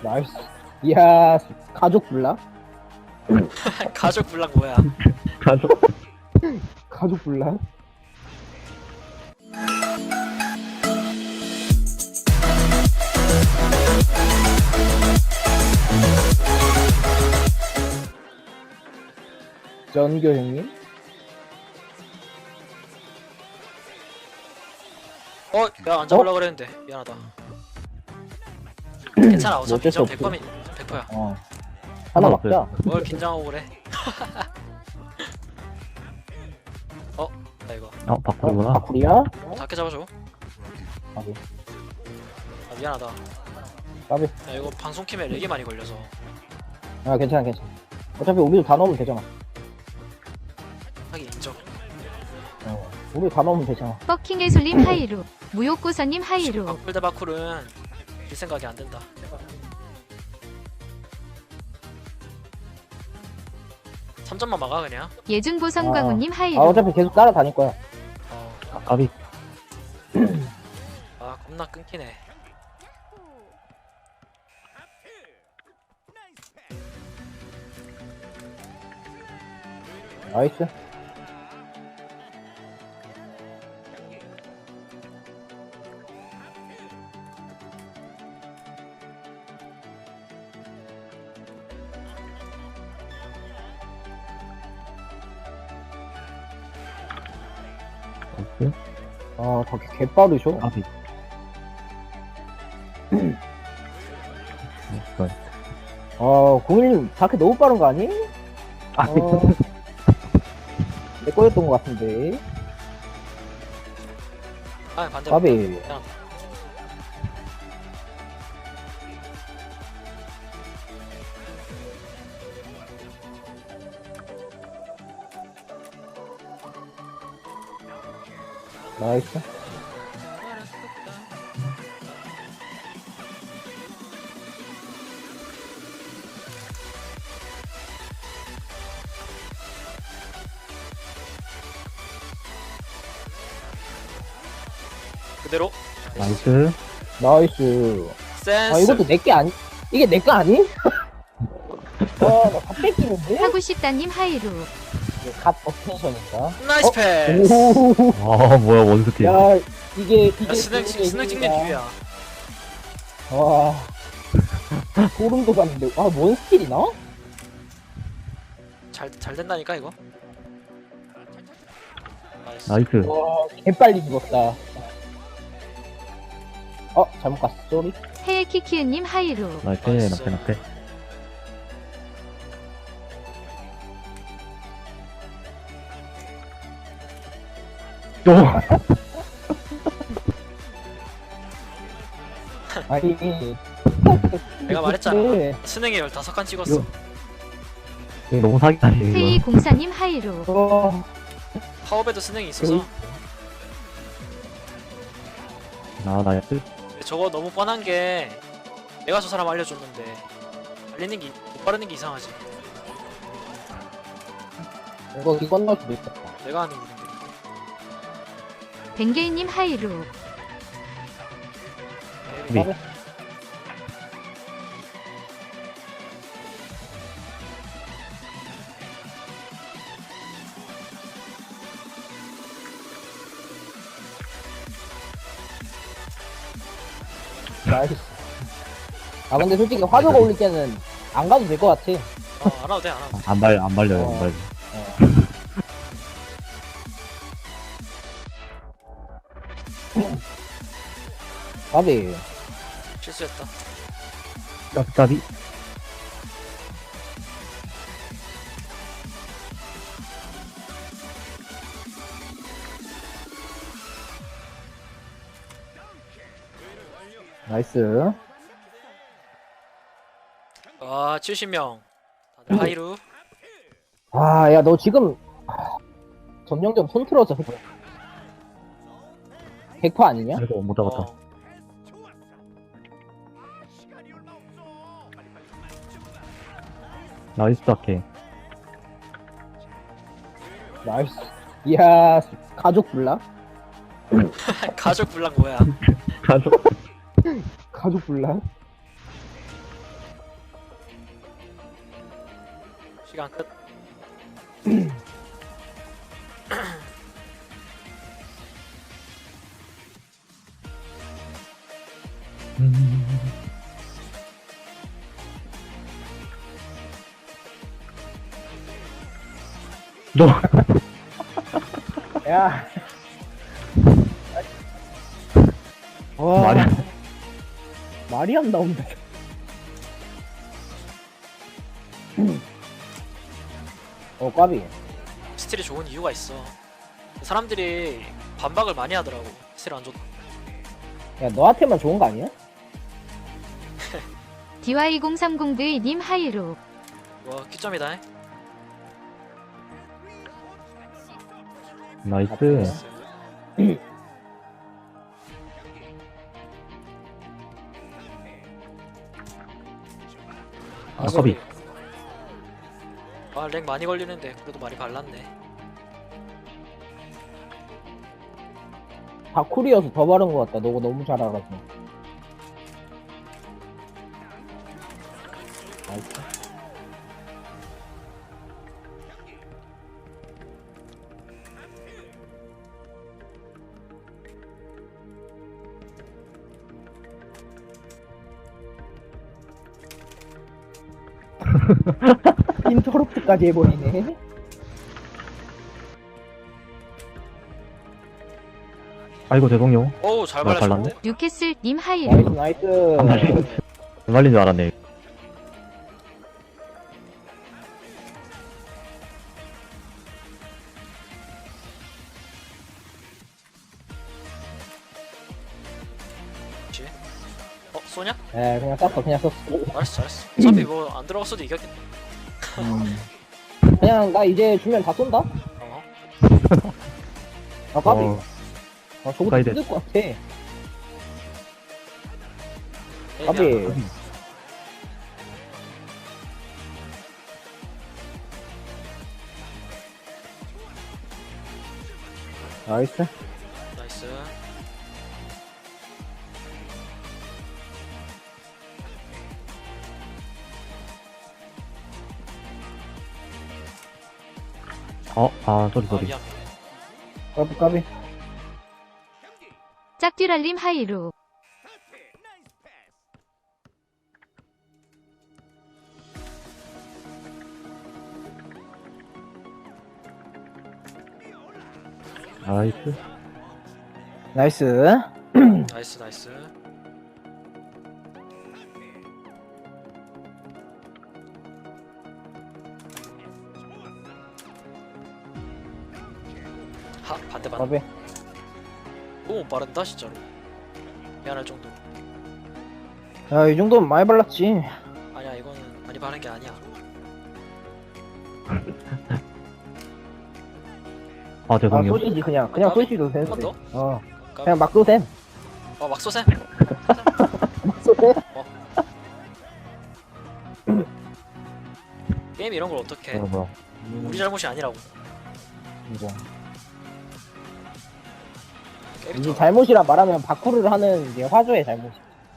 나이스. 이야, 가족 불락? 가족 불락 뭐야? 가족. 가족 불락? 전교 형님? 야, 안 잡으려고 그랬는데. 미안하다. 괜찮아, 어차피 어쩔 수 저 없지. 100%야. 어. 하나 하나 막자. 뭘 긴장하고 그래. 나 이거. 바꾸구나. 바꾸리야? 작게 잡아줘. 까비. 아, 미안하다. 까비. 야, 이거 방송 킴에 렉이 많이 걸려서. 아, 괜찮아, 괜찮아. 어차피 우리도 다 넣으면 되잖아. 하긴 인정. 우리 다 넣으면 되잖아. 버킹의 솔님 하이루, 무욕고서님 하이루, 바쿨 대 바쿨은 일 생각이 안 된다. 삼점만 막아 그냥. 예준보성광우님 아, 하이루, 어차피 계속 따라다닐 거야. 까비. 아, 겁나 끊기네. 나이스. 나이스. 아, 다 개빠르셔. 까비. 나이스. 공일님 다크 너무 빠른 거 아니? 아, 내 거였던 것 같은데. 아, 반대로. 까비. 나이스. 그대로. 나이스. 나이스. 센스. 아, 이것도 내게 아니? 이게 내 거 아니? 나다 뺏기는데? 하고 싶다님 하이루, 이게 갓 어텐션인가? 나이스 패스. 오, 뭐야, 원스킬. 야, 이게 야, 스낵 찍는 기회야. 와, 소름 돋았는데. 아, 뭔 스킬이나? 잘 된다니까 이거. 나이스. 나이스. 와, 개빨리 죽었다. 잘못 갔어, 쏘리. 헤이키키은님 하이루, 나이스. 나이스. 나패. 또. 아니, 내가 말했잖아. 네. 스낵에 15칸 찍었어. 이거 너무 사기다니, 이거. 세이공사님 하이루, 파워배드 스낵이 있어서 나이스. 저거 너무 뻔한 게 내가 저 사람 알려줬는데 알리는 게 못 바르는 게 이상하지. 이거 건널 수도 있다. 내가 하는 일인데. 벤게이님 하이루, 네. 나이스. 근데 솔직히 화조가 올릴 때는 안 가도 될 것 같아. 안 와도 돼, 안 와도 돼. 안 발려요, 어. 안 발려. 까비. 실수했다. 까비. 나이스. 와, 70명. 다들 하이루. 야, 너 지금 점령점 손 틀어져. 100% 아니냐? 그래도 못 잡았다. 어, 나이스 다케. 나이스. 이야, 가족 불락? 가족 불락 뭐야? 가족. 가족 불락? 시간 끝. 너 야. 와, 말이 안 나온다. 까비. 스틸이 좋은 이유가 있어. 사람들이 반박을 많이 하더라고. 스틸 안 좋다. 야, 너한테만 좋은 거 아니야? DY030V님 하이로. 와, 키점이다. 나이스. 아까비. 아, 렉 많이 걸리는데 그래도 많이 발랐네. 바쿨이어서 더 바른 것 같다. 너가 너무 잘 알아서. 나이스. 인터럽트까지 해버리네. 아이고 죄송해요. 어우, 잘 나 발랐는데? 뉴캐슬님 하이로. 나이스. 안 말린 줄 알았네. 그치? 쏘냐? 에, 그냥 쌌어, 그냥 썼어. 잘했어, 잘했어. 어차피 뭐 안 들어갔어도 이겼겠네. 그냥 나 이제 주면 다 쏜다? 어? 아, 까비. 어, 아, 저거 가이드. 힘들 것 같아. 까비. 애매하다. 나이스. 나이스. 쏘리, 아, 쏘리. 미안. 까비, 까비. 짝듀랄님 하이로. 나이스. 나이스. 나이스, 나이스. 하, 반대. 까비. 너무 빠른다, 진짜로. 미안할 정도. 야, 이 정도면 많이 발랐지. 아니야, 이거는 많이 바른 게 아니야. 아, 죄송해요. 쏘시지, 그냥. 그냥 까비? 쏘시도 돼. 한 번 더? 어. 까비. 그냥 막 쏘셈. 막 쏘셈. 막 쏘셈. 게임 이런 걸 어떻게 해? 뭐야. 우리 잘못이 아니라고. 이거. 게임이 이게 더- 잘못이라 말하면 바쿠르를 하는 이제 화조의 잘못.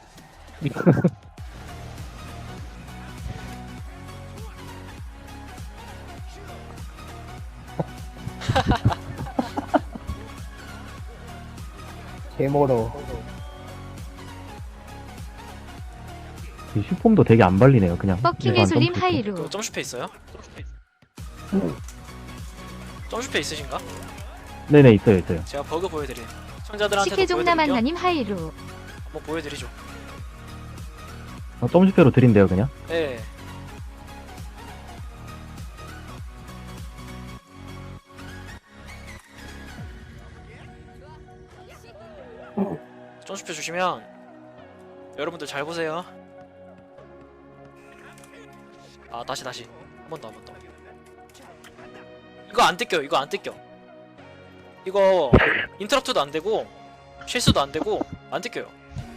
개모로. 이 슈폼도 되게 안 발리네요, 그냥. 버킹 일반 예술님 점프. 하이로. 그 점슈페 있어요? 점슈페 있으신가? 네네, 있어요, 있어요. 제가 버그 보여드림. 시청자들한테도 식혜종남 보여드릴게요. 한나님 하이로. 한번 보여드리죠. 점슈페로 드린대요, 그냥. 예. 점슈페 주시면 여러분들 잘 보세요. 아, 다시 한 번 더. 이거 안 뜯겨요. 이거 안 뜯겨. 이거 인터럽트도 안 되고 실수도 안 되고 안 뜯겨요.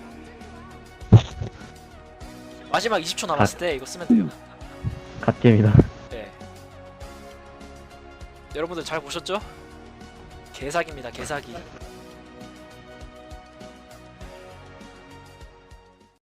마지막 20초 남았을 때 이거 쓰면 돼요. 갓겜이다. 네. 여러분들 잘 보셨죠? 개사기입니다, 개사기.